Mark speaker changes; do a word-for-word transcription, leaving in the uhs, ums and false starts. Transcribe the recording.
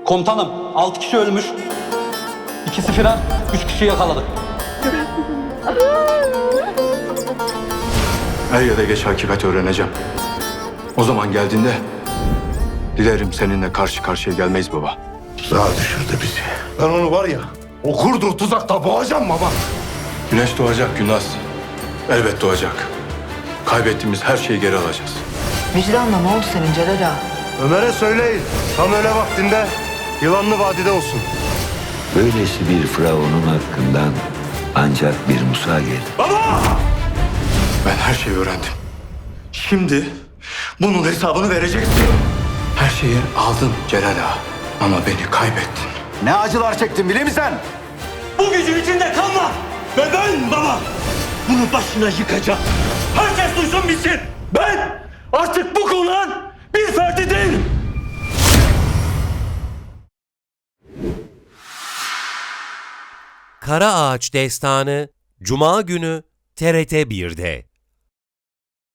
Speaker 1: Komutanım, altı kişi ölmüş. İkisi firar, üç kişi yakaladık.
Speaker 2: Er ya da geç hakikati öğreneceğim. O zaman geldiğinde dilerim seninle karşı karşıya gelmeyiz baba.
Speaker 3: Tuzağa düşürdü bizi. Ben onu var ya, o kurduğu tuzakta boğacağım baba.
Speaker 2: Güneş doğacak Günnaz. Elbet doğacak. Kaybettiğimiz her şeyi geri alacağız.
Speaker 4: Vicdanla ne oldu senin Celal ağa?
Speaker 3: Ömer'e söyleyin, tam öyle vaktinde Yılanlı Vadide olsun.
Speaker 5: Böylesi bir firavunun hakkından ancak bir Musa gelir.
Speaker 2: Ben her şeyi öğrendim. Şimdi bunun hesabını vereceksin. Her şeyi aldın Celal Ağa. Ama beni kaybettin.
Speaker 6: Ne acılar çektin biliyor musun sen?
Speaker 7: Bu gücün içinde kalma. Ve ben baba bunu başına yıkacağım. Herkes duysun bilsin. Ben artık bu konağın bir ferdi değilim.
Speaker 8: Kara Ağaç Destanı Cuma günü T R T bir'de.